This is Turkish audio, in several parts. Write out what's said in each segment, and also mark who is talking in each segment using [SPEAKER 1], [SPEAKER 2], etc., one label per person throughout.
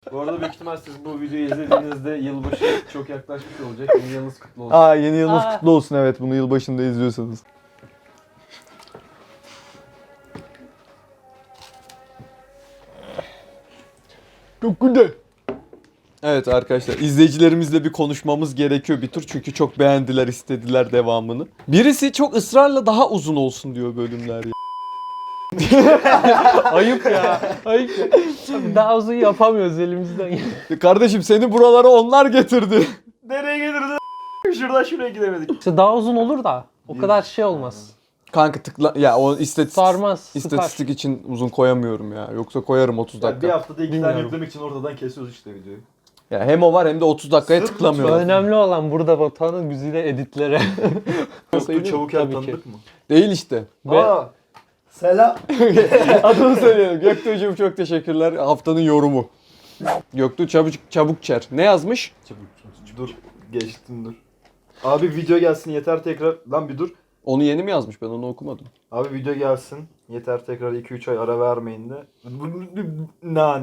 [SPEAKER 1] Bu arada büyük ihtimal siz bu videoyu izlediğinizde yılbaşı çok yaklaşmış olacak. Yeni yılınız kutlu olsun.
[SPEAKER 2] Yeni yılınız kutlu olsun, evet, bunu yılbaşında izliyorsanız. Çok güzel. Evet arkadaşlar, izleyicilerimizle bir konuşmamız gerekiyor bir tur çünkü çok beğendiler, istediler devamını. Birisi çok ısrarla daha uzun olsun diyor bölümler ya.
[SPEAKER 3] Ayıp ya. Ayıp ya. Daha uzun yapamıyoruz elimizden.
[SPEAKER 2] Kardeşim seni buralara onlar getirdi.
[SPEAKER 1] Nereye getirdin? Şuradan şuraya gidemedik.
[SPEAKER 3] İşte daha uzun olur da o kadar şey olmaz.
[SPEAKER 2] Kanka tıkla ya, o
[SPEAKER 3] Sarmaz, sıkar.
[SPEAKER 2] istatistik için uzun koyamıyorum ya. Yoksa koyarım 30 dakika.
[SPEAKER 1] Bir haftada 2 tane
[SPEAKER 3] Bilmiyorum.
[SPEAKER 1] yüklemek için ortadan kesiyoruz işte videoyu.
[SPEAKER 2] Ya hem o var hem de 30 dakikaya
[SPEAKER 1] Sırf
[SPEAKER 2] tıklamıyorum.
[SPEAKER 3] Önemli olan burada Batuhan'ın güzide editlere.
[SPEAKER 1] Yoktu çabuk yer
[SPEAKER 3] Tabii ki.
[SPEAKER 1] tanıdık mı?
[SPEAKER 2] Değil işte.
[SPEAKER 1] Aa, selam.
[SPEAKER 2] Adını söyleyelim. Göktuğ'cum çok teşekkürler. Haftanın yorumu. Göktuğ Çabukçer. Ne yazmış?
[SPEAKER 1] Dur, geçtim dur. Abi video gelsin yeter tekrar. Lan bir dur.
[SPEAKER 2] Onu yeni mi yazmış? Ben onu okumadım.
[SPEAKER 1] Abi video gelsin yeter tekrar 2-3 ay ara vermeyin de. Nan.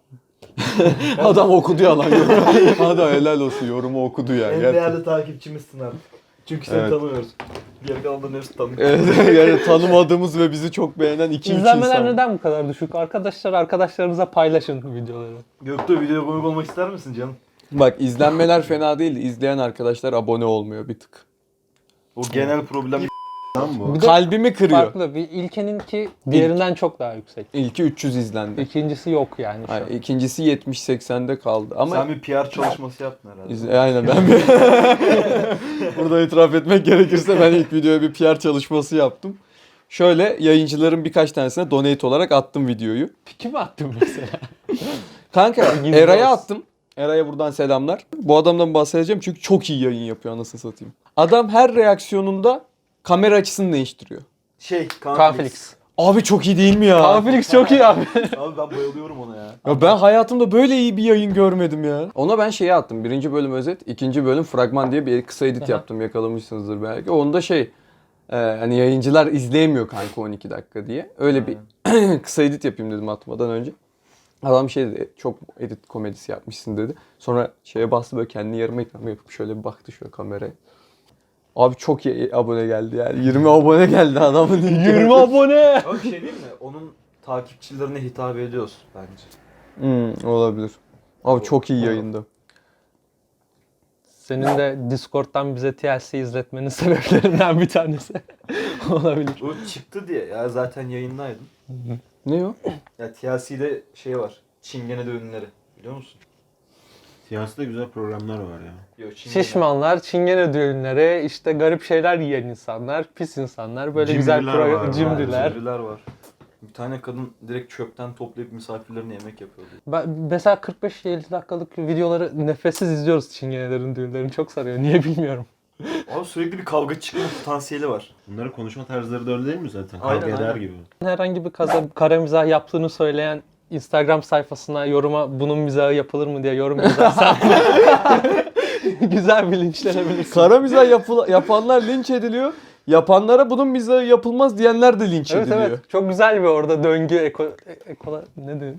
[SPEAKER 2] Adam okudu ya lan. Adam helal olsun, yorumu okudu ya.
[SPEAKER 1] En
[SPEAKER 2] Gerçekten.
[SPEAKER 1] değerli takipçimizsin abi. Çünkü seni
[SPEAKER 2] Evet.
[SPEAKER 1] tanımıyoruz. Geri kalanların hepsi tanıyor.
[SPEAKER 2] Evet, yani tanımadığımız ve bizi çok beğenen 2-3
[SPEAKER 3] İzlenmeler
[SPEAKER 2] insan.
[SPEAKER 3] neden bu kadar düşük? Arkadaşlarınıza paylaşın videoları.
[SPEAKER 1] Göktuğ videoya konuk olmak ister misin canım?
[SPEAKER 2] Bak, izlenmeler fena değil. İzleyen arkadaşlar abone olmuyor bir tık.
[SPEAKER 1] O genel problem lan bu.
[SPEAKER 3] Bir de
[SPEAKER 2] Kalbimi kırıyor.
[SPEAKER 3] farklı. Bir ilkeninki diğerinden çok daha yüksek.
[SPEAKER 2] İlki 300 izlendi.
[SPEAKER 3] İkincisi yok yani şu an.
[SPEAKER 2] Hayır, ikincisi 70-80'de kaldı. Ama
[SPEAKER 1] Sen bir PR çalışması yaptın herhalde.
[SPEAKER 2] Aynen ben bir... Burada itiraf etmek gerekirse ben ilk videoya bir PR çalışması yaptım. Şöyle yayıncıların birkaç tanesine donate olarak attım videoyu.
[SPEAKER 3] Piki mi attın mesela?
[SPEAKER 2] Kanka
[SPEAKER 3] Gizli
[SPEAKER 2] Eray'a
[SPEAKER 3] olsun.
[SPEAKER 2] attım. Eray'a buradan selamlar. Bu adamdan bahsedeceğim çünkü çok iyi yayın yapıyor, anasını satayım. Adam her reaksiyonunda kamera açısını değiştiriyor.
[SPEAKER 3] Kanflix.
[SPEAKER 2] Abi çok iyi değil mi ya?
[SPEAKER 3] Kanflix çok iyi abi.
[SPEAKER 1] Abi ben bayılıyorum ona ya.
[SPEAKER 2] Ya ben hayatımda böyle iyi bir yayın görmedim ya. Ona ben şeye attım. 1. bölüm özet, 2. bölüm fragman diye bir kısa edit
[SPEAKER 3] Aha.
[SPEAKER 2] yaptım. Yakalamışsınızdır belki. Onda hani yayıncılar izleyemiyor kanka 12 dakika diye. Öyle bir kısa edit yapayım dedim atmadan önce. Adam şey dedi, çok edit komedisi yapmışsın dedi. Sonra şeye bastı, böyle kendi yarım ekran yapıp şöyle bir baktı şöyle kameraya. Abi çok iyi abone geldi yani. 20 abone geldi adamın.
[SPEAKER 3] 20 abone.
[SPEAKER 1] Ama bir şey değil mi? Onun takipçilerine hitap ediyoruz bence.
[SPEAKER 2] Olabilir. Abi çok iyi yayındı.
[SPEAKER 3] Senin de Discord'dan bize TLC izletmenin sebeplerinden bir tanesi olabilir.
[SPEAKER 1] O çıktı diye ya zaten yayındaydım.
[SPEAKER 2] Ne o?
[SPEAKER 1] Ya TLC'de şey var. Çingene düğünleri. Biliyor musun?
[SPEAKER 4] Siyasette güzel programlar var ya.
[SPEAKER 1] Yok, Çingene.
[SPEAKER 3] Şişmanlar, çingene düğünleri, işte garip şeyler yiyen insanlar, pis insanlar, böyle güzel
[SPEAKER 4] Cimriler var,
[SPEAKER 3] cimriler.
[SPEAKER 1] Cimriler var. Bir tane kadın direkt çöpten toplayıp misafirlerine yemek yapıyordu.
[SPEAKER 3] Ben mesela 45-50 dakikalık videoları nefessiz izliyoruz çingenelerin düğünlerini. Çok sarıyor. Niye bilmiyorum.
[SPEAKER 1] Abi sürekli bir kavga çıkma potansiyeli var.
[SPEAKER 4] Bunların konuşma tarzları da öyle değil mi zaten?
[SPEAKER 1] Aynen,
[SPEAKER 4] Kavga eder
[SPEAKER 1] aynen.
[SPEAKER 4] gibi.
[SPEAKER 3] Herhangi bir kara mizah yaptığını söyleyen Instagram sayfasına yoruma bunun mizahı yapılır mı diye yorum yazarsan güzel bir linçlenebilirsin.
[SPEAKER 2] Kara mizah yapanlar linç ediliyor. Yapanlara bunun mizahı yapılmaz diyenler de linç
[SPEAKER 3] Evet
[SPEAKER 2] ediliyor.
[SPEAKER 3] evet. Çok güzel bir orada döngü ne diyorsun?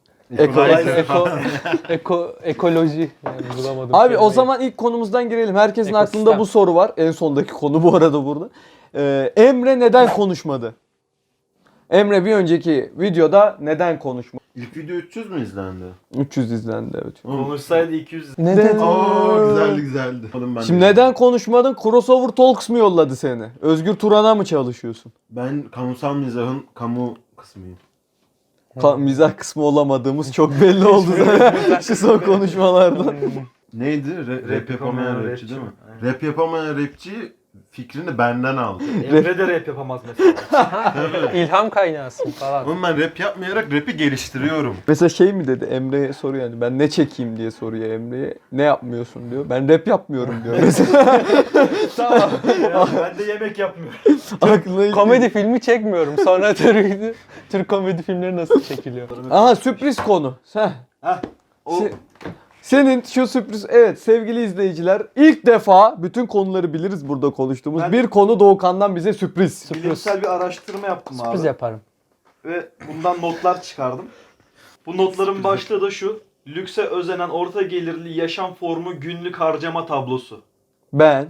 [SPEAKER 3] Ekoloji. Yani bulamadım.
[SPEAKER 2] Abi o
[SPEAKER 3] kelimeyi.
[SPEAKER 2] zaman ilk konumuzdan girelim. Herkesin
[SPEAKER 3] Ekosistem.
[SPEAKER 2] aklında bu soru var. En sondaki konu bu arada burada. Emre neden konuşmadı? Emre bir önceki videoda neden konuşmadı?
[SPEAKER 4] İlk video 300 mü izlendi?
[SPEAKER 2] 300 izlendi, evet.
[SPEAKER 1] Konuşsaydı 200.
[SPEAKER 3] Neden?
[SPEAKER 4] Aa güzeldi güzeldi. Oğlum ben
[SPEAKER 2] Şimdi
[SPEAKER 4] de-
[SPEAKER 2] neden konuşmadın? Crossover Talks mı yolladı seni? Özgür Turan'a mı çalışıyorsun?
[SPEAKER 4] Ben kamusal mizahın kamu kısmıyım.
[SPEAKER 2] Mizah kısmı olamadığımız çok belli oldu zaten şu son konuşmalardan.
[SPEAKER 4] Neydi? Rap yapamayan rapçi değil mi?
[SPEAKER 1] Aynen.
[SPEAKER 4] Rap yapamayan rapçi fikrini benden aldı.
[SPEAKER 1] Emre de rap yapamaz mesela.
[SPEAKER 3] İlham kaynağısın falan.
[SPEAKER 4] Oğlum ben rap yapmayarak rap'i geliştiriyorum.
[SPEAKER 2] Mesela şey mi dedi, Emre'ye soruyor yani, ben ne çekeyim diye soruyor Emre'ye. Ne yapmıyorsun diyor. Ben rap yapmıyorum diyor mesela.
[SPEAKER 3] Tamam.
[SPEAKER 1] Ya ben de yemek yapmıyorum.
[SPEAKER 2] Aklına ilk-
[SPEAKER 3] Komedi filmi çekmiyorum. Sonra Türk komedi filmleri nasıl çekiliyor?
[SPEAKER 2] Aha, sürpriz konu.
[SPEAKER 1] Heh. O
[SPEAKER 2] Senin şu sürpriz, evet sevgili izleyiciler, ilk defa bütün konuları biliriz burada konuştuğumuz.
[SPEAKER 1] Ben-
[SPEAKER 2] Bir konu Doğukan'dan bize sürpriz.
[SPEAKER 1] bilimsel bir araştırma yaptım
[SPEAKER 3] Sürpriz
[SPEAKER 1] abi.
[SPEAKER 3] yaparım.
[SPEAKER 1] Ve bundan notlar çıkardım. Bu notların başlığı da şu. Lükse özenen orta gelirli yaşam formu günlük harcama tablosu.
[SPEAKER 2] Ben.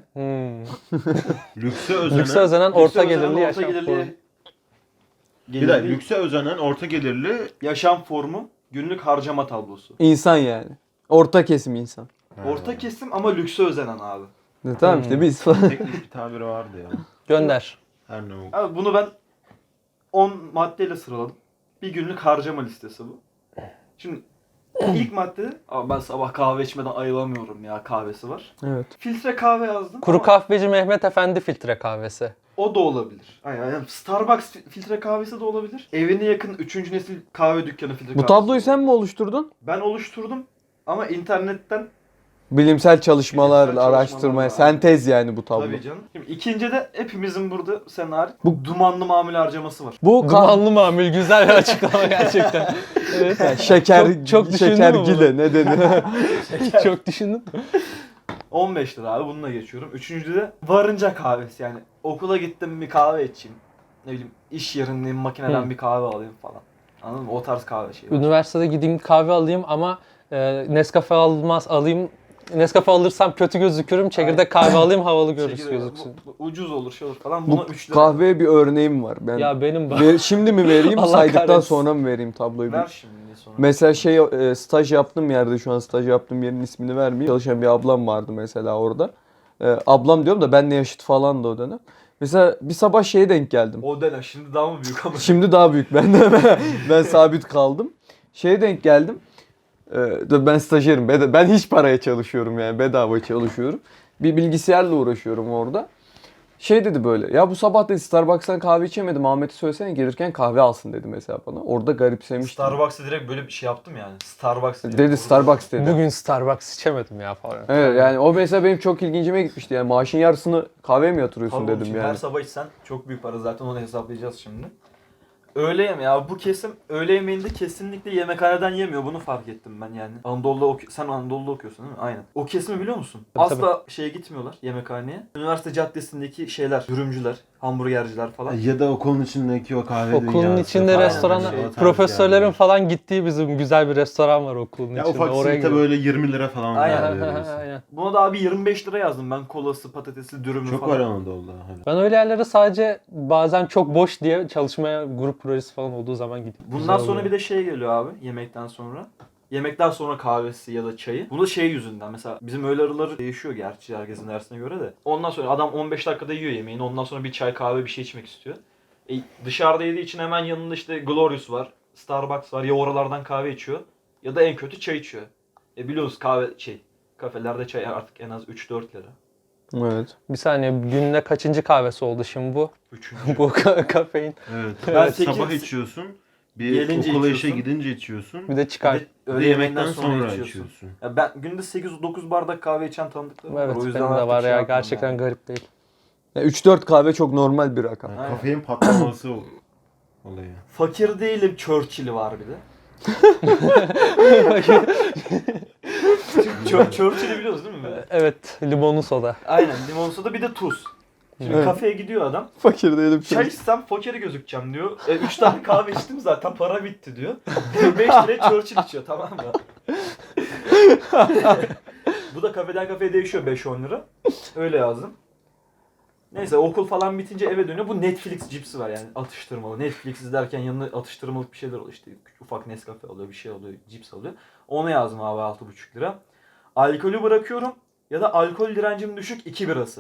[SPEAKER 4] Lükse özenen.
[SPEAKER 3] Lükse özenen
[SPEAKER 1] Lükse
[SPEAKER 3] orta
[SPEAKER 1] özenen
[SPEAKER 3] gelirli yaşam
[SPEAKER 1] gelirli-
[SPEAKER 3] formu.
[SPEAKER 4] Bir dakika, lükse özenen orta gelirli.
[SPEAKER 1] yaşam formu günlük harcama tablosu.
[SPEAKER 2] İnsan yani. Orta kesim insan.
[SPEAKER 1] Orta kesim ama lükse özenen abi.
[SPEAKER 2] Tamam işte biz falan.
[SPEAKER 4] Teknik bir tabiri vardı ya.
[SPEAKER 3] Gönder.
[SPEAKER 4] Her ne oldu.
[SPEAKER 1] Abi bunu ben 10 maddeyle sıraladım. Bir günlük harcama listesi bu. Şimdi ilk madde, abi ben sabah kahve içmeden ayılamıyorum ya, kahvesi var.
[SPEAKER 2] Evet.
[SPEAKER 1] Filtre kahve yazdım.
[SPEAKER 3] Kuru
[SPEAKER 1] ama
[SPEAKER 3] kahveci Mehmet Efendi filtre kahvesi.
[SPEAKER 1] o da olabilir. Aynen. Starbucks filtre kahvesi de olabilir. Evine yakın 3. nesil kahve dükkanı filtre kahvesi.
[SPEAKER 2] Bu tabloyu
[SPEAKER 1] de
[SPEAKER 2] sen
[SPEAKER 1] olabilir.
[SPEAKER 2] mi oluşturdun?
[SPEAKER 1] Ben oluşturdum ama internetten
[SPEAKER 2] Bilimsel çalışmalarla,
[SPEAKER 1] Bilimsel
[SPEAKER 2] araştırmaya,
[SPEAKER 1] çalışmalarla.
[SPEAKER 2] sentez yani bu tablo.
[SPEAKER 1] tabii canım. Şimdi ikinci de hepimizin burada sen hariç
[SPEAKER 2] Bu-
[SPEAKER 1] dumanlı mamul harcaması var.
[SPEAKER 2] Bu
[SPEAKER 3] Dumanlı mamul, güzel bir açıklama gerçekten. Evet.
[SPEAKER 2] şeker,
[SPEAKER 3] Çok düşündün
[SPEAKER 2] şeker
[SPEAKER 3] mü bunu?
[SPEAKER 2] gile ne denir?
[SPEAKER 3] Çok düşündüm.
[SPEAKER 1] 15 lira abi, bununla geçiyorum. Üçüncü de varınca kahvesi, yani okula gittim bir kahve içeyim. Ne bileyim iş yerindeyim, makineden bir kahve alayım falan. Anladın mı? O tarz kahve şeyi var.
[SPEAKER 3] Üniversitede gideyim kahve alayım ama Nescafe alayım. Nescafe alırsam kötü gözükürüm. Çekirdek kahve alayım, havalı
[SPEAKER 1] Çekirdek-
[SPEAKER 3] gözüksün.
[SPEAKER 1] bu ucuz olur, şey olur falan. Buna
[SPEAKER 2] Bu
[SPEAKER 1] 3 lira.
[SPEAKER 2] kahveye bir örneğim var. Ben
[SPEAKER 3] Ya benim
[SPEAKER 2] şimdi mi vereyim,
[SPEAKER 3] Allah
[SPEAKER 2] saydıktan
[SPEAKER 3] kahretsin.
[SPEAKER 2] sonra mı vereyim tabloyu?
[SPEAKER 1] Ver şimdi sonra.
[SPEAKER 2] Mesela staj yaptığım yerde, şu an staj yaptığım yerin ismini vermeyeyim. Çalışan bir ablam vardı mesela orada. Ablam diyorum da benle yaşıt falan da o dönem. Mesela bir sabah şeye denk geldim.
[SPEAKER 1] O dönem şimdi daha mı büyük ama?
[SPEAKER 2] Şimdi daha büyük benden. Ben sabit kaldım. Şeye denk geldim. Ben stajyerim. Ben hiç paraya çalışıyorum yani. Bedava çalışıyorum. Bir bilgisayarla uğraşıyorum orada. Şey dedi böyle. Ya bu sabah dedi Starbucks'tan kahve içemedim. Ahmet'e söylesene gelirken kahve alsın dedi mesela bana. Orada garipsemiştim.
[SPEAKER 1] Starbucks'a direkt böyle bir şey yaptım yani. Starbucks diye.
[SPEAKER 2] Dedi Starbucks dedi.
[SPEAKER 3] bugün Starbucks içemedim ya falan.
[SPEAKER 2] Evet yani o mesela benim çok ilgincime gitmişti. Yani maaşın yarısını kahveye mi yatırıyorsun
[SPEAKER 1] Tabii oğlum,
[SPEAKER 2] dedim
[SPEAKER 1] şimdi
[SPEAKER 2] yani.
[SPEAKER 1] her sabah içsen çok büyük para, zaten onu hesaplayacağız şimdi. Öğle yemeği abi, bu kesim öğle yemeğinde kesinlikle yemekhaneden yemiyor, bunu fark ettim ben yani. Sen Anadolu'da okuyorsun değil mi? Aynen. O kesimi biliyor musun?
[SPEAKER 3] Tabii,
[SPEAKER 1] Asla şeye gitmiyorlar, yemekhaneye. Üniversite caddesindeki şeyler, dürümcüler, hamburgerciler falan.
[SPEAKER 4] Ya da okulun içindeki o kahve
[SPEAKER 3] Okulun
[SPEAKER 4] dünyası
[SPEAKER 3] içinde
[SPEAKER 4] falan.
[SPEAKER 3] restoranlar,
[SPEAKER 1] şey,
[SPEAKER 4] O tarz
[SPEAKER 3] profesörlerin
[SPEAKER 4] yerler.
[SPEAKER 3] falan gittiği bizim güzel bir restoran var okulun
[SPEAKER 4] Ya
[SPEAKER 3] içinde.
[SPEAKER 4] ufak simite
[SPEAKER 3] gidiyorum.
[SPEAKER 4] böyle 20 lira falan
[SPEAKER 1] Aynen.
[SPEAKER 4] veriyorsun.
[SPEAKER 3] Aynen.
[SPEAKER 1] Buna da abi 25 lira yazdım ben, kolası, patatesi, dürümü
[SPEAKER 4] Çok
[SPEAKER 1] falan.
[SPEAKER 4] var Anadolu'da. Hani.
[SPEAKER 3] Ben öyle yerlere sadece bazen çok boş diye çalışmaya, grup projesi falan olduğu zaman gidiyorum.
[SPEAKER 1] Bundan sonra bir de şey geliyor abi, yemekten sonra. Yemekten sonra kahvesi ya da çayı. Bu da şey yüzünden, mesela bizim öğle araları değişiyor gerçi herkesin dersine göre de. Ondan sonra adam 15 dakikada yiyor yemeğini. Ondan sonra bir çay kahve bir şey içmek istiyor. Dışarıda yediği için hemen yanında işte Glorious var, Starbucks var. Ya oralardan kahve içiyor ya da en kötü çay içiyor. Biliyoruz kafelerde çay artık en az 3-4 lira.
[SPEAKER 2] Evet.
[SPEAKER 3] Bir saniye, günde kaçıncı kahvesi oldu şimdi bu?
[SPEAKER 1] Üçüncü.
[SPEAKER 3] Bu kafein.
[SPEAKER 4] Evet.
[SPEAKER 1] Ben
[SPEAKER 4] Sabah
[SPEAKER 1] sekiz-
[SPEAKER 4] içiyorsun.
[SPEAKER 1] Gelince
[SPEAKER 4] Okula
[SPEAKER 1] içiyorsun.
[SPEAKER 4] işe gidince içiyorsun.
[SPEAKER 3] Bir de çıkar.
[SPEAKER 4] Bir de yemekten sonra içiyorsun.
[SPEAKER 1] Ya ben günde 8-9 bardak kahve içen tanıdıklarım var.
[SPEAKER 3] Evet,
[SPEAKER 1] O yüzden
[SPEAKER 3] benim de
[SPEAKER 1] artık
[SPEAKER 3] var
[SPEAKER 1] şey
[SPEAKER 3] ya,
[SPEAKER 1] yapmıyorum
[SPEAKER 3] gerçekten
[SPEAKER 1] yani.
[SPEAKER 3] garip değil.
[SPEAKER 2] 3-4 kahve çok normal bir rakam.
[SPEAKER 4] Yani
[SPEAKER 1] Aynen.
[SPEAKER 4] kafein patlaması olayı.
[SPEAKER 1] Fakir değilim, Churchill'i var bir de. Churchill'i biliyoruz değil mi? Böyle?
[SPEAKER 3] Evet, limonlu soda.
[SPEAKER 1] Aynen, limon soda bir de tuz. Şimdi
[SPEAKER 2] Evet.
[SPEAKER 1] kafeye gidiyor adam.
[SPEAKER 2] Fakir değilim.
[SPEAKER 1] Çay içsem fakir gözükeceğim diyor. 3 tane kahve içtim zaten, para bitti diyor. 5 liraya Churchill içiyor, tamam mı? Bu da kafeden kafeye değişiyor, 5-10 lira. Öyle yazdım. Neyse okul falan bitince eve dönüyor. Bu Netflix cipsi var yani, atıştırmalı. Netflix izlerken yanına atıştırmalık bir şeyler oluyor. İşte ufak Nescafe alıyor, bir şey alıyor, cips alıyor. Onu yazdım abi, 6,5 lira. Alkolü bırakıyorum ya da alkol direncim düşük 2 birası.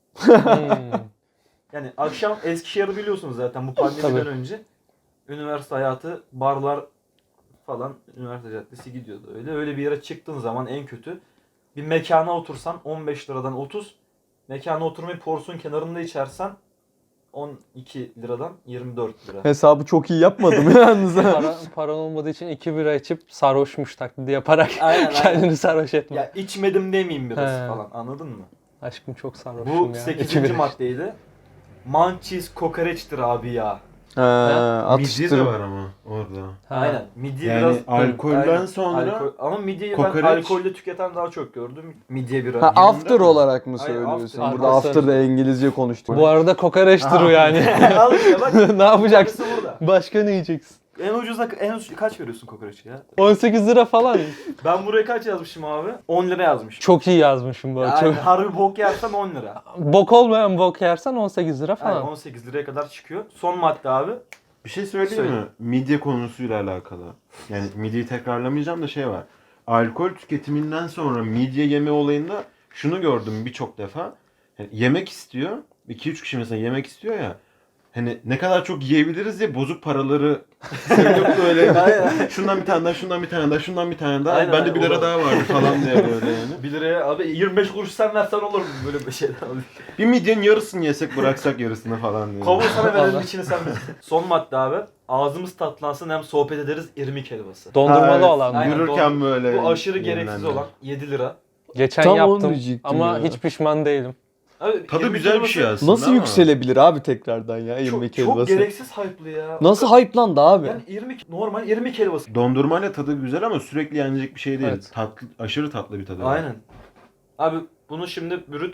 [SPEAKER 1] Yani akşam Eskişehir'i biliyorsunuz zaten bu pandemiden
[SPEAKER 3] Tabii.
[SPEAKER 1] önce. Üniversite hayatı, barlar falan, üniversite caddesi gidiyordu öyle. Öyle bir yere çıktığın zaman en kötü bir mekana otursan 15 liradan 30, mekana oturmayı porsiyon kenarında içersen 12 liradan 24 lira.
[SPEAKER 2] Hesabı çok iyi yapmadım yalnız.
[SPEAKER 3] Paran olmadığı için 2 bira içip sarhoşmuş taklidi yaparak
[SPEAKER 1] Aynen,
[SPEAKER 3] kendini sarhoş etme.
[SPEAKER 1] Ya içmedim demeyeyim biraz
[SPEAKER 3] He.
[SPEAKER 1] falan, anladın mı?
[SPEAKER 3] Aşkım çok sarhoşum
[SPEAKER 1] Bu
[SPEAKER 3] ya.
[SPEAKER 1] 8.
[SPEAKER 3] 2 bira.
[SPEAKER 1] maddeydi. Manchis kokoreçtir abi ya.
[SPEAKER 4] Midye de var ama orada.
[SPEAKER 3] Ha.
[SPEAKER 1] Aynen. Midye
[SPEAKER 4] Yani
[SPEAKER 1] biraz
[SPEAKER 4] alkolden
[SPEAKER 1] Aynen.
[SPEAKER 4] sonra
[SPEAKER 1] ama midyeyi
[SPEAKER 4] kokoreç-
[SPEAKER 1] ben alkolle tüketen daha çok gördüm. Midye bira.
[SPEAKER 2] Ha, after
[SPEAKER 4] mi?
[SPEAKER 2] olarak mı
[SPEAKER 1] Hayır,
[SPEAKER 2] söylüyorsun?
[SPEAKER 1] after.
[SPEAKER 2] Burada
[SPEAKER 3] After.
[SPEAKER 2] after'da İngilizce konuştuk.
[SPEAKER 3] Bu arada kokoreçtir o yani.
[SPEAKER 1] Al işte bak.
[SPEAKER 3] Ne yapacaksın?
[SPEAKER 1] Yarısı burada.
[SPEAKER 3] Başka ne yiyeceksin?
[SPEAKER 1] En ucuza kaç veriyorsun kokoreçe ya?
[SPEAKER 3] 18 lira falan.
[SPEAKER 1] Ben buraya kaç yazmışım abi? 10 lira yazmışım.
[SPEAKER 3] Çok iyi yazmışım bu arada.
[SPEAKER 1] Yani
[SPEAKER 3] Çok...
[SPEAKER 1] harbi bok yersen 10 lira.
[SPEAKER 3] Bok olmayan bok yersen 18 lira
[SPEAKER 1] Yani
[SPEAKER 3] falan.
[SPEAKER 1] 18 liraya kadar çıkıyor. Son madde abi.
[SPEAKER 4] Bir şey söyleyeyim
[SPEAKER 1] Söyle.
[SPEAKER 4] mi? Midye konusuyla alakalı. Yani midyeyi tekrarlamayacağım da şey var. Alkol tüketiminden sonra midye yeme olayında şunu gördüm birçok defa. Yani yemek istiyor. 2-3 kişi mesela yemek istiyor ya. Hani ne kadar çok yiyebiliriz diye bozuk paraları söylüp böyle
[SPEAKER 1] Aynen.
[SPEAKER 4] şundan bir tane daha, şundan bir tane daha, şundan bir tane daha.
[SPEAKER 1] Aynen,
[SPEAKER 4] Bende 1 lira
[SPEAKER 1] olur.
[SPEAKER 4] daha vardı falan diye böyle yani.
[SPEAKER 1] 1 liraya abi 25 kuruş sen versen olur mu böyle bir şeyler abi?
[SPEAKER 4] Bir midyenin yarısını yesek bıraksak yarısını falan diye.
[SPEAKER 1] Kavuğu sana verelim
[SPEAKER 3] Vallahi.
[SPEAKER 1] içini sen ver. Son madde abi. Ağzımız tatlansın hem sohbet ederiz irmik helvası.
[SPEAKER 3] Dondurmalı
[SPEAKER 4] Ha, evet.
[SPEAKER 3] olan.
[SPEAKER 1] Aynen,
[SPEAKER 4] Yürürken
[SPEAKER 1] doğru.
[SPEAKER 4] böyle.
[SPEAKER 1] Bu aşırı gereksiz
[SPEAKER 4] yenilenler.
[SPEAKER 1] olan 7 lira.
[SPEAKER 3] Geçen
[SPEAKER 2] Tam onu
[SPEAKER 3] yaptım
[SPEAKER 2] diyecektim
[SPEAKER 3] ama
[SPEAKER 2] ya.
[SPEAKER 3] hiç pişman değilim.
[SPEAKER 1] Abi,
[SPEAKER 4] Tadı
[SPEAKER 1] irmik
[SPEAKER 4] güzel bir şey
[SPEAKER 1] helvası
[SPEAKER 4] aslında
[SPEAKER 2] Nasıl
[SPEAKER 4] ama
[SPEAKER 2] yükselebilir abi tekrardan ya irmik
[SPEAKER 1] Çok
[SPEAKER 2] helvası?
[SPEAKER 1] gereksiz hype'lı ya.
[SPEAKER 2] Nasıl hype'landı abi?
[SPEAKER 1] Yani normal irmik helvası.
[SPEAKER 4] Dondurmayla tadı güzel ama sürekli yenecek bir şey değil.
[SPEAKER 3] Evet.
[SPEAKER 4] Tatlı, aşırı tatlı bir tadı var.
[SPEAKER 1] Aynen. Abi bunu şimdi brüt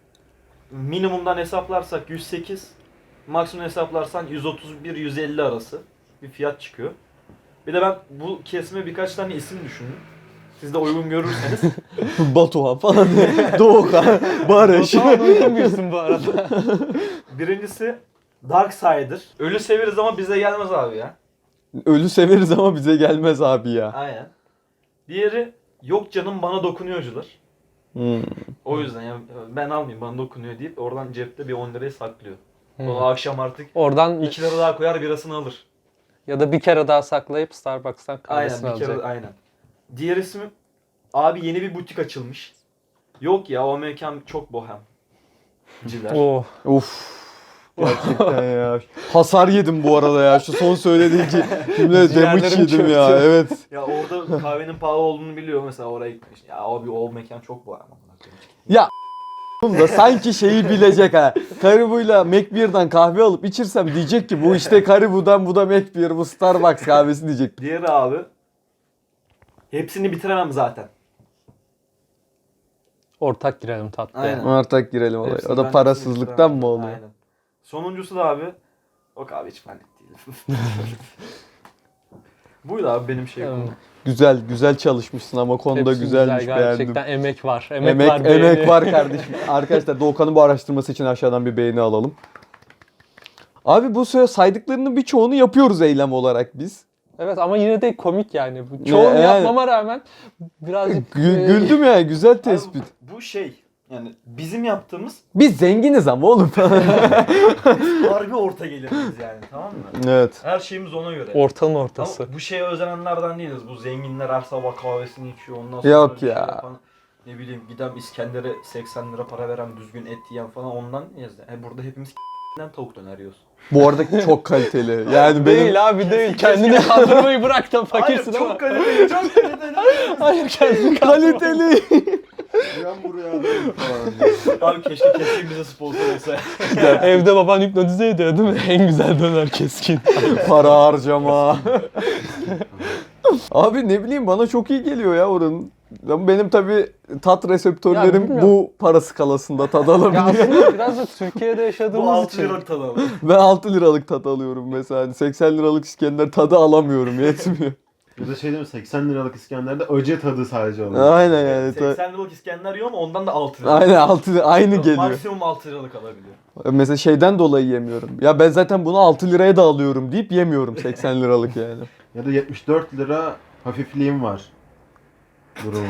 [SPEAKER 1] minimumdan hesaplarsak 108, maksimum hesaplarsan 131-150 arası bir fiyat çıkıyor. Bir de ben bu kesime birkaç tane isim düşündüm. Siz de uygun görürseniz.
[SPEAKER 2] Batuhan falan. Doğukan, Barış.
[SPEAKER 3] Tamam uygun birsin bu arada.
[SPEAKER 1] Birincisi Darksider. Ölü severiz ama bize gelmez abi ya.
[SPEAKER 2] Ölü severiz ama bize gelmez abi ya.
[SPEAKER 1] Aynen. Diğeri yok canım bana dokunuyorcular.
[SPEAKER 2] Hmm.
[SPEAKER 1] O yüzden ya ben almayayım bana dokunuyor deyip oradan cepte bir 10 lirayı saklıyor.
[SPEAKER 3] Hmm.
[SPEAKER 1] O akşam artık
[SPEAKER 3] Oradan
[SPEAKER 1] 2 lira daha koyar birasını alır.
[SPEAKER 3] ya da bir kere daha saklayıp Starbucks'tan
[SPEAKER 1] Aynen
[SPEAKER 3] kahvesini
[SPEAKER 1] bir kere
[SPEAKER 3] alacak.
[SPEAKER 1] aynen. Diğer ismi abi yeni bir butik açılmış. Yok ya o mekan çok bohem. Ciler.
[SPEAKER 3] Oh.
[SPEAKER 2] Uf. Gerçekten ya. Hasar yedim bu arada ya. Şu son söylediğin cümle damage
[SPEAKER 3] Ciğerlerim
[SPEAKER 2] yedim ya.
[SPEAKER 3] çöktü.
[SPEAKER 2] Evet.
[SPEAKER 1] Ya orada kahvenin pahalı olduğunu biliyor mesela oraya gitmiş. Ya abi o mekan çok bohem.
[SPEAKER 2] Ya da sanki şeyi bilecek ha. Caribou'yla McBeer'dan kahve alıp içirsem diyecek ki bu işte Caribou'dan bu da McBeer, bu Starbucks kahvesi diyecek.
[SPEAKER 1] Diğeri abi hepsini bitiremem zaten.
[SPEAKER 3] Ortak girelim tatlıya.
[SPEAKER 1] Aynen.
[SPEAKER 2] Artık girelim olaya.
[SPEAKER 1] Hepsini
[SPEAKER 2] O
[SPEAKER 1] ben
[SPEAKER 2] da parasızlıktan mı oluyor?
[SPEAKER 1] Aynen. Sonuncusu da abi o kahve hiç benlik değil. Buydu abi benim şey.
[SPEAKER 3] Hmm.
[SPEAKER 2] Güzel, güzel çalışmışsın ama konuda
[SPEAKER 3] Hepsi
[SPEAKER 2] güzelmiş,
[SPEAKER 3] güzel,
[SPEAKER 2] beğendim.
[SPEAKER 3] gerçekten emek var.
[SPEAKER 2] Emek,
[SPEAKER 3] var,
[SPEAKER 2] emek
[SPEAKER 3] beğeni.
[SPEAKER 2] var kardeşim. Arkadaşlar Doğukan'ın bu araştırması için aşağıdan bir beğeni alalım. Abi bu saydıklarının birçoğunu yapıyoruz eylem olarak biz.
[SPEAKER 3] Evet ama yine de komik yani. Çoğunu
[SPEAKER 2] Yani.
[SPEAKER 3] yapmama rağmen birazcık
[SPEAKER 2] Güldüm ya, güzel
[SPEAKER 1] Abi
[SPEAKER 2] tespit.
[SPEAKER 1] bu şey yani bizim yaptığımız
[SPEAKER 2] Biz zenginiz ama oğlum.
[SPEAKER 1] harbi orta geliriz yani tamam mı?
[SPEAKER 2] Evet.
[SPEAKER 1] Her şeyimiz ona göre.
[SPEAKER 3] ortanın ortası.
[SPEAKER 1] Ama bu şeye özenenlerden değiliz. Bu zenginler her sabah kahvesini içiyor ondan sonra
[SPEAKER 2] Yok
[SPEAKER 1] bir şey
[SPEAKER 2] ya.
[SPEAKER 1] yapan, ne bileyim gidem İskender'e 80 lira para veren düzgün et yiyen falan ondan yiyiz. Burada hepimiz tavuk döner yiyoruz.
[SPEAKER 2] Bu arada çok kaliteli. Yani benim
[SPEAKER 3] Değil abi değil. Kendini kandırmayı bırak da fakirsin
[SPEAKER 1] Hayır
[SPEAKER 3] ama.
[SPEAKER 1] çok kaliteli çok kaliteli.
[SPEAKER 3] Hayır kendini kandırma.
[SPEAKER 2] kaliteli.
[SPEAKER 4] Ben buraya alayım falan.
[SPEAKER 1] Abi keşke Keskin bize sponsor olsa.
[SPEAKER 3] Evde baban hipnotize ediyor değil mi? En güzel döner Keskin.
[SPEAKER 2] Para harcama. Abi ne bileyim bana çok iyi geliyor ya oranın. Ama benim tabii tat
[SPEAKER 3] Ya
[SPEAKER 2] reseptörlerim
[SPEAKER 3] bilmiyorum.
[SPEAKER 2] bu para skalasında tad
[SPEAKER 3] Ya
[SPEAKER 2] alabiliyor.
[SPEAKER 3] aslında biraz da Türkiye'de
[SPEAKER 1] Bu
[SPEAKER 3] yaşadığımız
[SPEAKER 1] 6
[SPEAKER 3] için.
[SPEAKER 1] liralık tadı abi.
[SPEAKER 2] Ben 6 liralık tat alıyorum mesela. Hani 80 liralık İskender tadı alamıyorum, yetmiyor.
[SPEAKER 4] Ya da şey değil mi 80 liralık İskender'de acı tadı sadece oluyor.
[SPEAKER 2] Aynen yani.
[SPEAKER 1] 80 liralık İskender yiyor ama ondan da 6 lira.
[SPEAKER 2] Aynen 6 aynı geliyor.
[SPEAKER 1] Maksimum 6 liralık alabiliyor.
[SPEAKER 2] Mesela şeyden dolayı yemiyorum. Ya ben zaten bunu 6 liraya da alıyorum deyip yemiyorum 80 liralık yani.
[SPEAKER 4] Ya da 74 lira hafifliğim var. Durumu.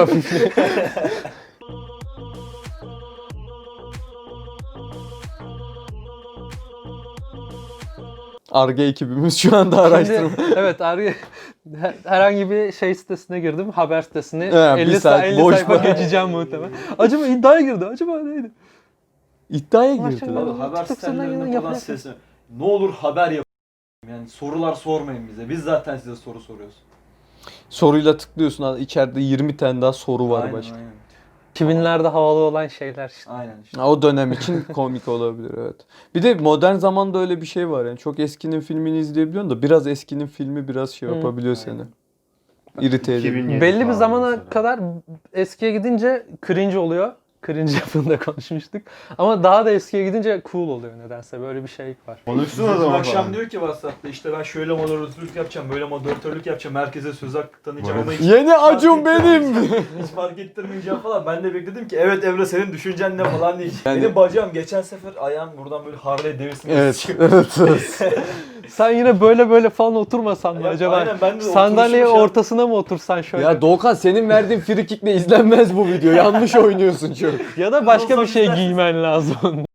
[SPEAKER 2] Ar-Ge ekibimiz şu anda araştırma.
[SPEAKER 3] Şimdi, evet herhangi bir şey sitesine girdim. Haber sitesine.
[SPEAKER 2] He, bir
[SPEAKER 3] 50,
[SPEAKER 2] saat
[SPEAKER 3] 50
[SPEAKER 2] boş
[SPEAKER 3] sayfa
[SPEAKER 2] var.
[SPEAKER 3] geçeceğim muhtemelen. Acaba iddiaya girdi. Acaba neydi?
[SPEAKER 2] İddiaya
[SPEAKER 3] Maşallah.
[SPEAKER 2] girdiler.
[SPEAKER 1] Abi haber
[SPEAKER 3] TikTok
[SPEAKER 1] sitelerinde
[SPEAKER 3] senden
[SPEAKER 1] falan
[SPEAKER 3] yapıyor.
[SPEAKER 1] sesle. Ne olur haber yapın. Yani sorular sormayın bize. Biz zaten size soru soruyoruz.
[SPEAKER 2] Soruyla tıklıyorsun. İçeride 20 tane daha soru var
[SPEAKER 1] Aynen,
[SPEAKER 2] başka.
[SPEAKER 1] aynen.
[SPEAKER 3] 2000'lerde havalı olan şeyler işte.
[SPEAKER 1] Aynen işte.
[SPEAKER 2] O dönem için komik olabilir, evet. Bir de modern zamanda öyle bir şey var yani. Çok eskinin filmini izleyebiliyorsun da biraz eskinin filmi biraz şey
[SPEAKER 3] Hı.
[SPEAKER 2] yapabiliyor seni. İrite ediyor.
[SPEAKER 4] 2007
[SPEAKER 3] Belli bir
[SPEAKER 4] falan
[SPEAKER 3] zamana
[SPEAKER 4] mesela.
[SPEAKER 3] kadar eskiye gidince cringe oluyor. cringe yapında konuşmuştuk. Ama daha da eskiye gidince cool oluyor nedense. Böyle bir şey var.
[SPEAKER 4] Konuşsun o
[SPEAKER 1] Bizim
[SPEAKER 4] zaman
[SPEAKER 1] akşam
[SPEAKER 4] falan.
[SPEAKER 1] diyor ki WhatsApp'ta işte ben şöyle moderatörlük yapacağım, böyle moderatörlük yapacağım, herkese söz hakkı tanıyacağım ama hiç
[SPEAKER 2] Yeni Acun
[SPEAKER 1] fark
[SPEAKER 2] benim.
[SPEAKER 1] ettirmeyeceğim, hiç fark ettirmeyeceğim falan. Ben de bekledim ki evet Emre senin düşüncen ne falan değil.
[SPEAKER 2] Yani-
[SPEAKER 1] Benim bacağım geçen sefer ayağım buradan böyle Harley Davidson
[SPEAKER 2] Evet, evet.
[SPEAKER 3] Sen yine böyle falan oturmasan mı
[SPEAKER 1] Ya,
[SPEAKER 3] acaba?
[SPEAKER 1] aynen, ben de
[SPEAKER 3] Sandalyeyi
[SPEAKER 1] oturuşum şey-
[SPEAKER 3] ortasına mı otursan şöyle?
[SPEAKER 2] Ya Doğukan senin verdiğin free kick'le izlenmez bu video. Yanlış oynuyorsun çok.
[SPEAKER 3] Ya da başka bir
[SPEAKER 1] Olsam
[SPEAKER 3] şey
[SPEAKER 1] izlersin.
[SPEAKER 3] giymen lazım.